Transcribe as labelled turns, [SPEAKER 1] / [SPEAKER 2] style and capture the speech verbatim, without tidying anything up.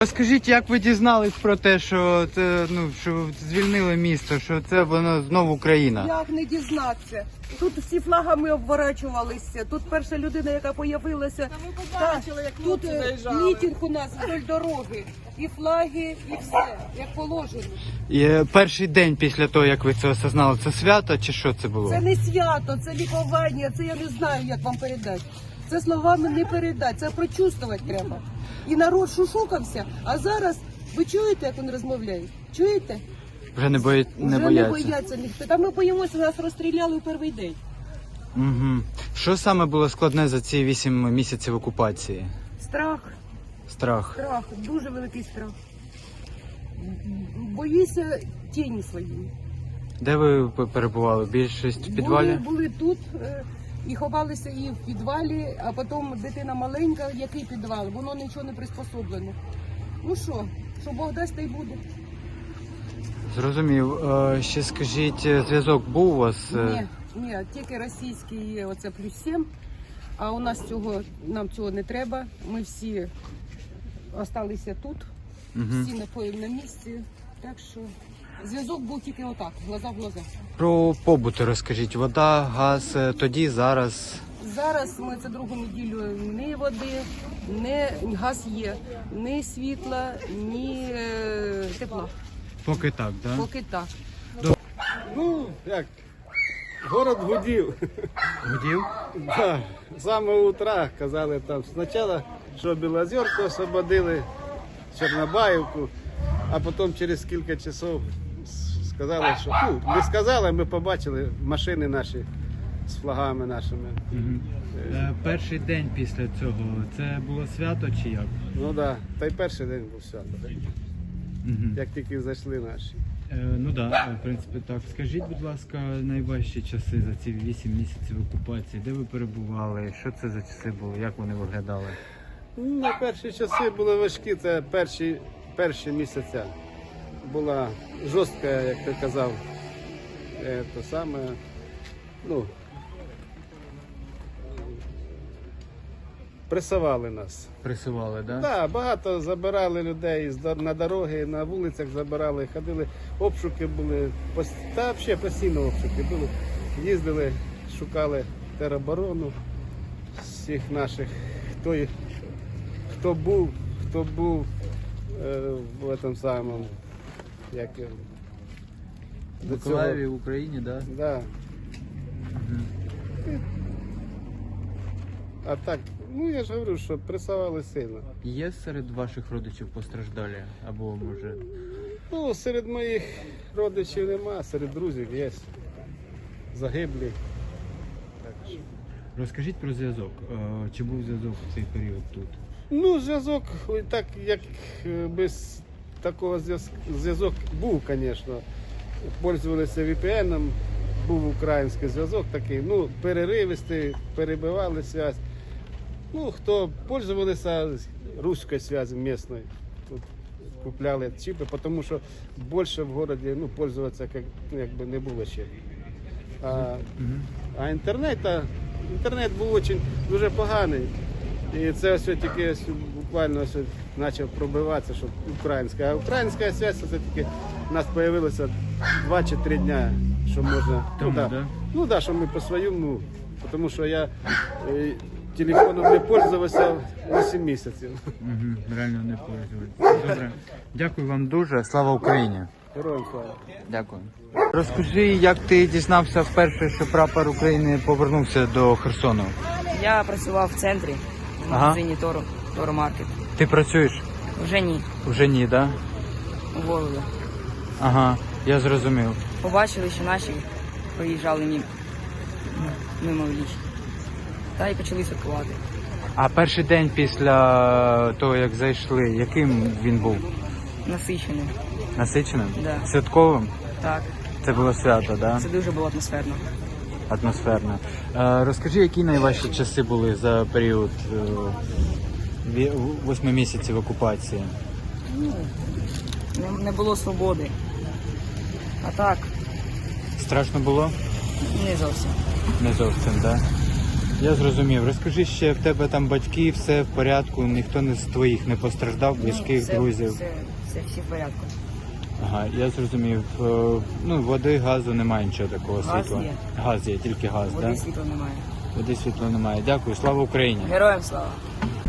[SPEAKER 1] Розкажіть, як ви дізнались про те, що це, ну, що звільнили місто, що це воно знову Україна?
[SPEAKER 2] Як не дізнатися? Тут всі флагами обворачувалися. Тут перша людина, яка появилася, та, тут е, мітинг у нас вдоль дороги. І флаги, і все, як положено.
[SPEAKER 1] І е, перший день після того, як ви це осознали, це свято чи що це було?
[SPEAKER 2] Це не свято, це лікування, це я не знаю, як вам передати. Це словами не передати, це прочувствувати треба. І народ шушукався, а зараз, ви чуєте, як він розмовляє? Чуєте?
[SPEAKER 1] Вже не, бої... не
[SPEAKER 2] Вже
[SPEAKER 1] бояться?
[SPEAKER 2] не бояться ніхто. Та ми боїмося, нас розстріляли у перший день.
[SPEAKER 1] Угу. Що саме було складне за ці вісім місяців окупації?
[SPEAKER 2] Страх.
[SPEAKER 1] Страх.
[SPEAKER 2] Страх, дуже великий страх. Боюся тіні свої.
[SPEAKER 1] Де ви перебували? Більшість в підвалі?
[SPEAKER 2] Були, були тут е, і ховалися і в підвалі, а потім дитина маленька, який підвал, воно нічого не приспособлено. Ну що, що Бог дасть, та й буде.
[SPEAKER 1] Зрозумів. Е, Ще скажіть, зв'язок був у вас?
[SPEAKER 2] Ні, ні, тільки російський є, оце плюс сім, а у нас цього, нам цього не треба. Ми всі залишилися тут,
[SPEAKER 1] Угу.
[SPEAKER 2] всі на, на місці, так що зв'язок був тільки отак, глаза в глаза.
[SPEAKER 1] Про побут розкажіть. Вода, газ, е, тоді, зараз?
[SPEAKER 2] Зараз ми це другу неділю ні води, ні газ є, ні світла, ні е, тепла.
[SPEAKER 1] Поки так, так? Да?
[SPEAKER 2] Поки так.
[SPEAKER 3] Ну, як, город гудів.
[SPEAKER 1] Гудів?
[SPEAKER 3] Да, з самого утра казали там спочатку, що Білозерку освободили, Чорнобаївку, а потім через кілька часов сказали, що, ну, не сказали, ми побачили машини наші з флагами нашими.
[SPEAKER 1] Угу. Е, перший день після цього, це було свято чи як?
[SPEAKER 3] Ну так, да, та й перший день був свято,
[SPEAKER 1] Угу.
[SPEAKER 3] як тільки зайшли наші.
[SPEAKER 1] Е, ну так, да, в принципі так. Скажіть, будь ласка, найважчі часи за ці вісім місяців окупації, де ви перебували, що це за часи були, як вони виглядали?
[SPEAKER 3] Ну, на перші часи були важкі, це перші, перші місяця. Була жорстка, як ти казав, е, то саме, ну, пресували нас.
[SPEAKER 1] Пресували, так? Да?
[SPEAKER 3] Так, да, багато забирали людей з до- на дороги, на вулицях забирали, ходили, обшуки були, пос- та взагалі постійно обшуки були. Їздили, шукали тероборону всіх наших, хто, їх- хто був, хто був е, в цьому самому, як його,
[SPEAKER 1] В
[SPEAKER 3] до
[SPEAKER 1] Миколаєві,
[SPEAKER 3] цього.
[SPEAKER 1] в Україні, так? Да?
[SPEAKER 3] Да. А так, ну я ж говорю, що пресували сильно.
[SPEAKER 1] Є серед ваших родичів постраждалі? Або може...
[SPEAKER 3] Ну, серед моїх родичів нема, серед друзів є. Загиблі. Так що.
[SPEAKER 1] Розкажіть про зв'язок. Е, Чи був зв'язок в цей період тут?
[SPEAKER 3] Ну, зв'язок, ой, так як е, без такого зв'язку, зв'язок був, звісно. Пользувалися ві пі ен, був український зв'язок такий, ну, переривистий, перебивали зв'язь. Ну, хто пользувалися руською зв'язю місцевою, тут купляли чіпи, тому що більше в місті, ну, пользуватися як, якби не було ще. А, а інтернет, а, інтернет був дуже, дуже поганий. І це ось тільки ось буквально ось почав пробиватися, що українська. А українська зв'язь це тільки у нас з'явилося два чи три дня, що можна.
[SPEAKER 1] Тому,
[SPEAKER 3] ну, да.
[SPEAKER 1] да?
[SPEAKER 3] Ну да, що ми по своєму, тому що я е, телефоном не пользувався вісім місяців.
[SPEAKER 1] Угу, реально не пользуюсь. Добре. Дякую вам дуже. Слава Україні.
[SPEAKER 3] Героям слава.
[SPEAKER 1] Дякую. Розкажи, як ти дізнався вперше, що прапор України повернувся до Херсону?
[SPEAKER 4] Я працював в центрі, в
[SPEAKER 1] Ага.
[SPEAKER 4] магазині Торо, Торо Маркет.
[SPEAKER 1] Ти працюєш?
[SPEAKER 4] Вже ні,
[SPEAKER 1] Вже ні, так? Да?
[SPEAKER 4] уволили.
[SPEAKER 1] Ага, я зрозумів.
[SPEAKER 4] Побачили, що наші проїжджали мимо, мимо ліч. Та й почали святкувати.
[SPEAKER 1] А перший день після того, як зайшли, яким він був?
[SPEAKER 4] Насиченим.
[SPEAKER 1] Насиченим?
[SPEAKER 4] Да.
[SPEAKER 1] Святковим?
[SPEAKER 4] Так,
[SPEAKER 1] Це було свято, так? Да?
[SPEAKER 4] це дуже було атмосферно.
[SPEAKER 1] Атмосферно. Е, розкажи, які найважчі часи були за період е, ві- восьми місяців окупації?
[SPEAKER 4] Ну, не, не було свободи. А так,
[SPEAKER 1] Страшно було?
[SPEAKER 4] не зовсім.
[SPEAKER 1] Не зовсім, так? Да? Я зрозумів. Розкажи ще, в тебе там батьки, все в порядку, ніхто не з твоїх не постраждав, близьких,
[SPEAKER 4] все,
[SPEAKER 1] друзів.
[SPEAKER 4] Все, все, всі в порядку.
[SPEAKER 1] Ага, я зрозумів. Е, Ну, води, газу немає нічого такого
[SPEAKER 4] Газ
[SPEAKER 1] світла.
[SPEAKER 4] є.
[SPEAKER 1] Газ є, тільки газ,
[SPEAKER 4] Води
[SPEAKER 1] так?
[SPEAKER 4] світла немає.
[SPEAKER 1] Води світла немає. Дякую, слава Україні.
[SPEAKER 4] Героям слава!